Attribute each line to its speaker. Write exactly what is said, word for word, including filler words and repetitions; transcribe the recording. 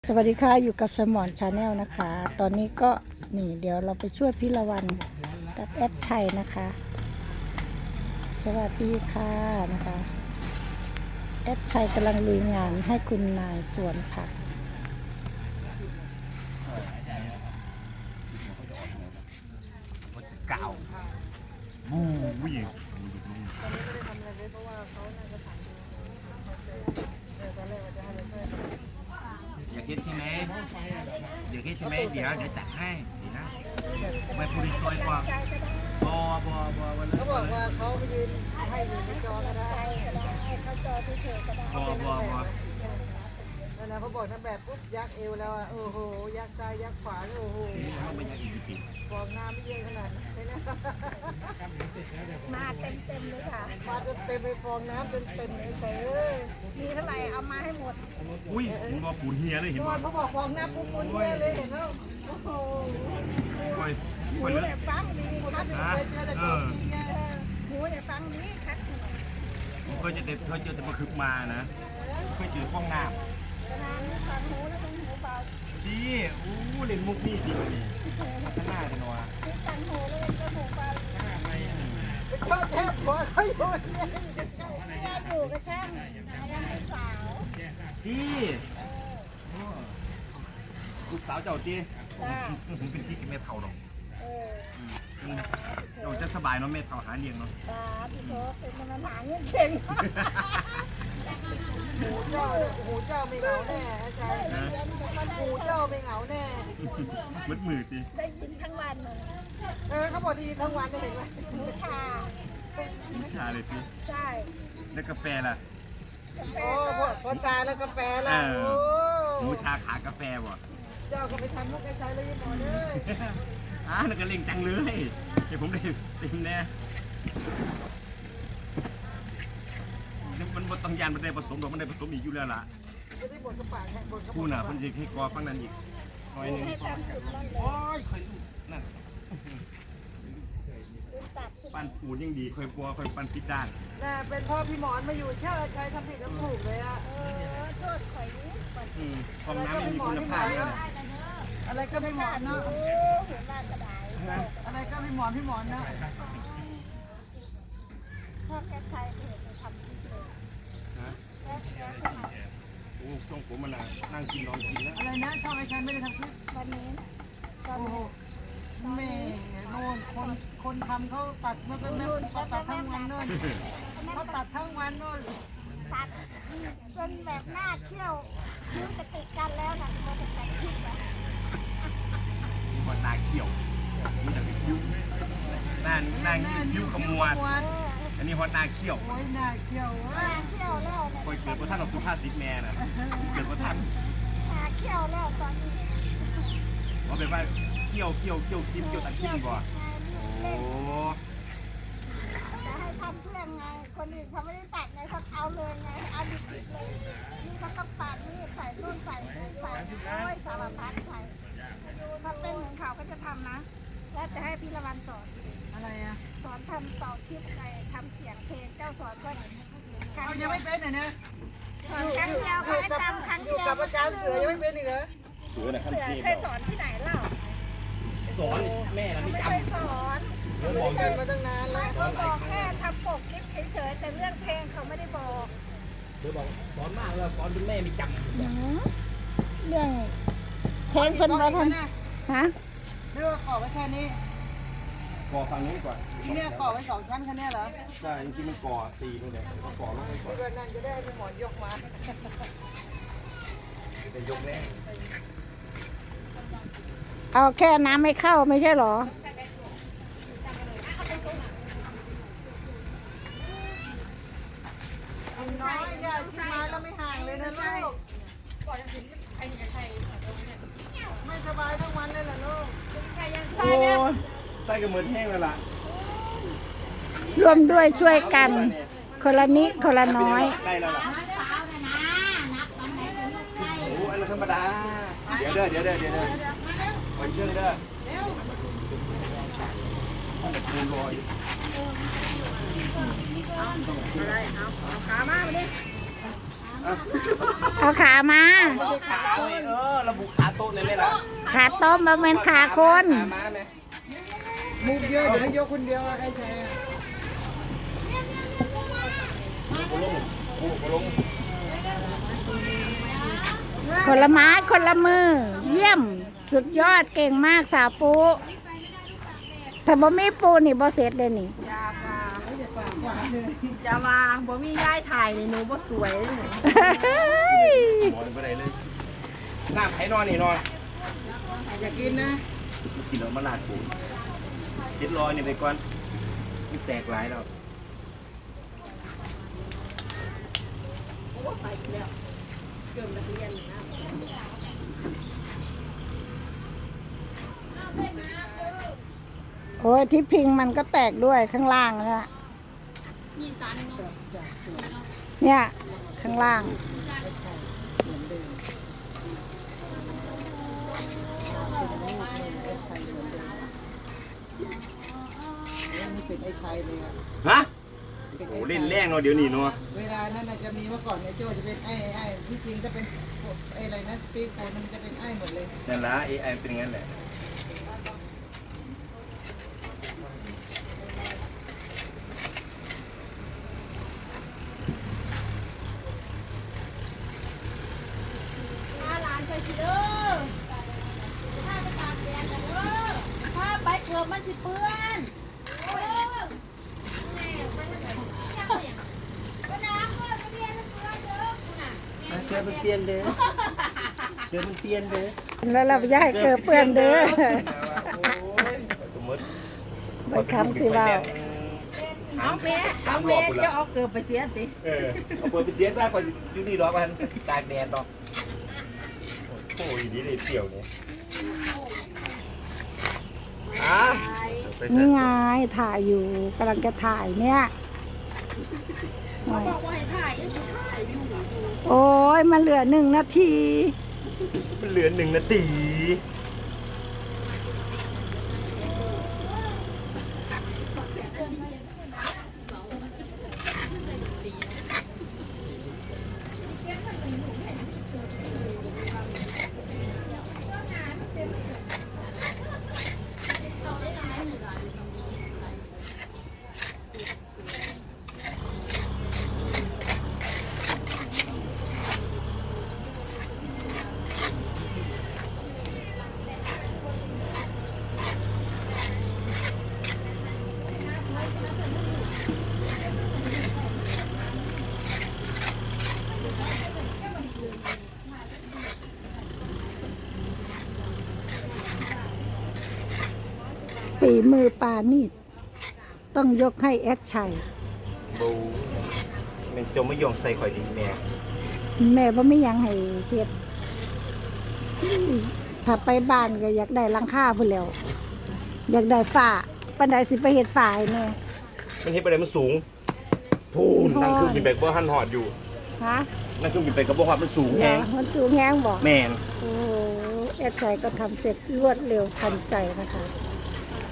Speaker 1: สวัสดีค่ะอยู่กับสมอนชาแนลนะคะ ตอนนี้ก็นี่เดี๋ยวเราไปช่วยพิรวันกับแอดชัยนะคะ สวัสดีค่ะนะคะแอดชัยกำลังลุยงานให้คุณนายสวนผัก
Speaker 2: เก่าบูวิ่งอยากคิดใช่ไหมอยากคิดใช่ไหมเดี๋ยวเดี๋ยวจัดให้เดี๋ยวนะไม่พูดซอยกว่าบอบอบอวันนั้น
Speaker 3: เขาบอกว่าเขาไปยืนให้อยู่ในจอก็ได้
Speaker 1: เขาจอที่เฉยก็ได้
Speaker 2: บอบอบอ
Speaker 3: แล้วนะเขาบอกนั่นแบบปุ๊บยักเอวแล้วอ่ะโอ้โหยักซ้ายยักขวาโอ้โห
Speaker 2: เขาไม่อยากอีกปี
Speaker 3: ฟองน้ำไม่เยอะขนาดนั้นเลยนะ
Speaker 1: มาเต็มเต็มเลยค่ะ
Speaker 3: มาจนเต็มไปฟองน้ำเป็นเป็นเฉยเลย
Speaker 1: มีเท่าไหร่เอามาให้หมด
Speaker 2: อุ้ยมันบอกปูนเฮียเลยเห็น
Speaker 3: ก่อ
Speaker 2: ป่ะ
Speaker 3: นเขาบอกฟองน้ำปุ๊บปุ๊บเนี่ยเลยเห็นแล้วโอ้โห
Speaker 2: คอย
Speaker 1: ห
Speaker 2: ค
Speaker 1: มู
Speaker 2: อยเลือ
Speaker 1: เนี่ยฟังดี
Speaker 3: คน
Speaker 1: คั
Speaker 3: นั้
Speaker 1: ด
Speaker 3: นเคยเจอแต่ตัวจริงไง
Speaker 1: หมูเนี่ยฟังดีคัด
Speaker 2: เคยจะเด็ดเคยเจอแต่มาคึกมานะเคยเจอห้องน้
Speaker 1: ขนาดนี้ฟังหมูแล้วต้องหมูเปล่า
Speaker 2: ำดีอู้เล่นมุกนี่ดีกว่านี่ข้างหน้าเลยนัว
Speaker 1: คิดฟังหมูแล้วก็หมูเปล่า
Speaker 3: ชอบแทบหัวเขาอยู่เนี่ย
Speaker 1: แค่อยู่ก็ช่างยังเป็นสาว
Speaker 2: ดีลูกสาวเจ้าจี
Speaker 1: จ้า
Speaker 2: ผมเป็นที่กินเม็ดเท่าหรอก
Speaker 1: เออ
Speaker 2: เราจะสบายเนาะเม็ดเท่าหาเลี้ยงเนาะ
Speaker 1: ตาพี่โตเป็นมันหาเงินเก่ง
Speaker 3: หูเจ้าหูเจ้าไม่เหงาแน่อาจารย์หูเจ้าไม่เหงาแน่
Speaker 2: มืดมืดดิ
Speaker 1: ได้ยินทั้งวันเลย
Speaker 3: เออเขาบอกดีทั้งวันเลยเห็นไหม
Speaker 1: หมูชา
Speaker 2: วิชาเลยสิ
Speaker 1: ใช่
Speaker 2: แล้วกาแฟล่ะ
Speaker 1: กาแฟ
Speaker 3: โอ้
Speaker 1: ก็
Speaker 3: พอชาแล้วกาแฟล่ะ
Speaker 2: เออ
Speaker 3: โอ้
Speaker 2: หมูชาขากาแฟบ่
Speaker 3: เจ้าก็ไปทำมุกไอ้ชายเลยหมอเลย
Speaker 2: อ่านั่นก็เล่งจังเลยเดี๋ยวผมได้เต็มแน่มันมันต้องยานมันได้ผสมหรอกมันได้ผสมอีกอยู่แล้วล่ะ
Speaker 3: ไม่ได้บทกระปากแค่บทกระ
Speaker 2: พู
Speaker 3: ปา
Speaker 2: น่ะมันจะให้กอฟังนั้นอีกหน่อยหนึง
Speaker 1: ให้ทำจุดนั่นเลย
Speaker 2: โอ้ยเคยดูนั่น
Speaker 1: ลืมตัดใช่ไหม
Speaker 2: ปั้นปูนยังดีเคยปัวเคยปั้นพิดด้าน
Speaker 3: น่ะเป็นพ่อพี่หมอนมาอยู่เชื่อใช้ทำผิดทำถูกเลยอะ
Speaker 1: เออโทษข่อยนี้ก่อน
Speaker 2: อืมความน้ำไม่มีคุณภาพเลยนะ
Speaker 3: อะไรก็พี่หมอนเนาะ
Speaker 1: โอ้หัวหน้ากระได
Speaker 3: อะไรก็พี่หมอนพี่หมอนเนาะ
Speaker 1: ชอบแค่ใช้เห็นไปทำคลิปเลย
Speaker 2: ฮะ
Speaker 1: แค่แค่สมัย
Speaker 2: โอ้ช่วงผมมันน่ะนั่งกินนอนกินแล้ว
Speaker 3: อะไรนะชอบไอ้ชายไม่ได้ทำคลิป
Speaker 1: วันนี้ตอน
Speaker 3: โอ้โห
Speaker 1: นี้
Speaker 3: แม่โน่นคนคนทำเขาตัดเมื่อเป็นแม่เขาตัดทั้งวันโน่นเขาตัดทั้งวันโน่น
Speaker 1: ตัดจนแบบหน้าเขี้ยวคิ้วจะติดกันแล้วนะเราจะแต่งคลิปอะ
Speaker 2: มีคนตาเขียวมีแต่คิ้วหน้าหน้าคิ้วขมวดอันนี้ฮอตหน้าเขียว
Speaker 3: โอ้ยหน้าเขียว
Speaker 1: ห
Speaker 3: เว้
Speaker 1: น้าย เขี้ยวแล้วเนี่ย
Speaker 2: คอยเกิดพระท่านเราสุภาษิตแม่น่ะเกิดพระท่าน
Speaker 1: หน้าเขี้ยวแล้วตอนนี้
Speaker 2: ว่าเป็นว่าเขี้ยวเขี้ยวเขี้ยวคิ้วเขี้ยวตะคิ้วบ่โอ้
Speaker 1: จะให้ทำเพื่อนไง คนอื่นเขาไม่ได้ตัดไงเขาเอาเลยไงเอาดิบๆเลยนี่เขาต้องปาดนี่ใส่นู่นใส่นี่ใส่โอ้ยสารพัดใส่ถ้าเป็นเหมือนเขาก็จะทำนะ แล้วจะให้พี่ละวันสอน
Speaker 3: อะไรอ่ะ
Speaker 1: สอนทำต่อคลิปไงทำเสียงเพลงเจ้าสอนก็ครั้ง
Speaker 3: เขา
Speaker 1: เดี
Speaker 3: ยั
Speaker 1: ยว
Speaker 3: งไม่เป็นอ่ะนะ
Speaker 1: สอนครั้งเดียวเขาให้จำครั้ง
Speaker 3: อ
Speaker 1: เดี
Speaker 3: ยู่
Speaker 1: ยว
Speaker 3: กับอาจารย์เสือยังไม่เป็นอีกเหรอ
Speaker 2: เสือน่ะขั้น
Speaker 1: เสือ
Speaker 2: เทพ
Speaker 1: เคยสอนที่ไหนเล่า
Speaker 2: สอนแม่น่ะ
Speaker 1: ไม่
Speaker 2: ไม่จ
Speaker 1: เคยสอน
Speaker 2: ำ
Speaker 3: ไม่ได้เป็นมาตั้งนานแล้ว
Speaker 1: เขาบอกแค่ทำปกคลิปเฉยๆแต่เรื่องเพลงเขาไม่ได้บอก
Speaker 2: เดี๋ยวบอกสอนมากแล้วสอนจนแม่ไม่จำ
Speaker 1: เรื่องเพลงคนมาทำฮะ
Speaker 3: เรื่องก่อไว้แค่นี้
Speaker 2: ก่อฝั่งนู้นก่อน
Speaker 3: อีเนี่ยก่อไว้สองชั้นแค่นี้เหรอ
Speaker 2: ใช่จริงๆมันก่อสี่นู่นแหละก็ก่อลงไปก่อน
Speaker 3: ที่วันนั้นจะได้ให้พี่หมอนยกมา
Speaker 2: จะยกแรง
Speaker 1: เอาแค่น้ำไม่เข้าไม่ใช่หรอ
Speaker 3: น้อยใหญ่ชิ้นไม้แล้วไม่ห่างเลยนะลูกไม่สบายทั้งวันเลยเหรอลูก
Speaker 2: โอ้ยไส้ก็เหมือนแห้งแล้วล่ะ
Speaker 1: ร่วมด้วยช่วยกัน คนละนิดคนละน้อย
Speaker 2: ได้แล้วล่ะโอ้อันนั้นธรรมดา เดี๋ยวเด้อเดี๋ยวเด้อเดี๋ยวเด้อคอยเครื่องเด้อมันจะคูณลอย
Speaker 3: อะไรเอาเอาขามามาดิ
Speaker 1: เอาขามา
Speaker 2: ขาเว้ยเออระบุขาโต๊ะเลยไหมล่ะ
Speaker 1: ขาต้มมาเป็นขาคน
Speaker 2: ขาม้าไหม
Speaker 3: มุกเยอะเดี๋ยวให้ยกคนเดียวอะใครแชร์
Speaker 2: โอ้ลงโอ้ลง
Speaker 1: คนละไม้คนละมือ เยี่ยมสุดยอดเก่งมากสาวปูถ้าบ่มีปูนี่บ่เสร็จเลยนี่
Speaker 3: ยาปลาไม่ได้ปลาหวานเลยจะวางบ่มีย้ายถ่ายเลยหนูบ่สวยเลย
Speaker 2: นอนไปไหนเลยน้ำไผ่นอนนี่นอน
Speaker 3: อย่ากินนะ
Speaker 2: กินแล้วมาลาดปูกินรอยนี่ไปก่อนนี่แตกหลายแล้ว
Speaker 1: โอ้ยที่พิงมันก็แตกด้วยข้างล่างนะเนี่ยข้างล่าง
Speaker 3: นี่เป็นไอ้ไทยเลยอะ
Speaker 2: ฮะโอ้เล่นแรงเนาะเดี๋ยวนี้เนาะ
Speaker 3: เวลานั้นน่ะจะมีเมื่อก่อนไอ้โจจะเป็นไอ้ไอ้ที่จริงจะเป็นไอ้อะไรนะสปีกโฟนมันจะเป็นไอ้หมดเลย
Speaker 2: นั่นละเอไอเป็นงั้นแหละ
Speaker 4: พาหลานไปสิเด้อพาไปตากแดดกันเด้อพาไปเกือบมันสิเปื้อนโอ้ยแม่ไปทางไหนเนี่ยก็น้ำเปื้อนก็เรียนมันเปื้อนเด้อคุณน่ะ
Speaker 2: เชื่อมันเปลี่ยนเด้อเชื่อมันเปลี่ยนเด้อ
Speaker 1: แล้วเราย่ายเกิดเปื้อนเด้อ
Speaker 2: สมมติ
Speaker 1: ไปคำสิว่า
Speaker 3: เอาแม่เอาแม่จะเอาเกือบไปเสียติ
Speaker 2: เออเอาเปิดไปเสียซะก่อนอยู่นี่รอมันตากแดดดอกโอ้ยดีเลยเสี่ยวเนี่ยอ่ะ
Speaker 1: นี่ไงถ่ายอยู่กำลังจะถ่ายเนี่ยโอ้ย
Speaker 4: บอกว่าให้ถ่ายก็คือถ่ายอยู่
Speaker 1: โอ้ยมันเหลือหนึ่งนาที
Speaker 2: มันเหลือหนึ่งนาที
Speaker 1: ฝีมือปานี่ต้องยกให้แอดชัย
Speaker 2: บูมันจมไม่ยองใส่ข่อยดีแม่
Speaker 1: แม่ว่าไม่ยังให้เฮ็ดถ้าไปบ้านก็อยากได้หลังคาพุ่นแล้ว อยากได้ฝ้าปันไดสิไปเฮ็ดฝ้าให้แม่
Speaker 2: มันเฮ็ดไปไหนมันสูงพูนนั่งเครื่องบินไปก็หันหอดอยู่
Speaker 1: ฮะ
Speaker 2: นั่งเครื่องบินไปก็บ่ฮอดมันสูง
Speaker 1: เหร
Speaker 2: แฮ
Speaker 1: อง มันสูงแฮงบ่
Speaker 2: แม่น
Speaker 1: โอ้โหแอดชัยก็ทำเสร็จรวดเร็วทันใจนะคะ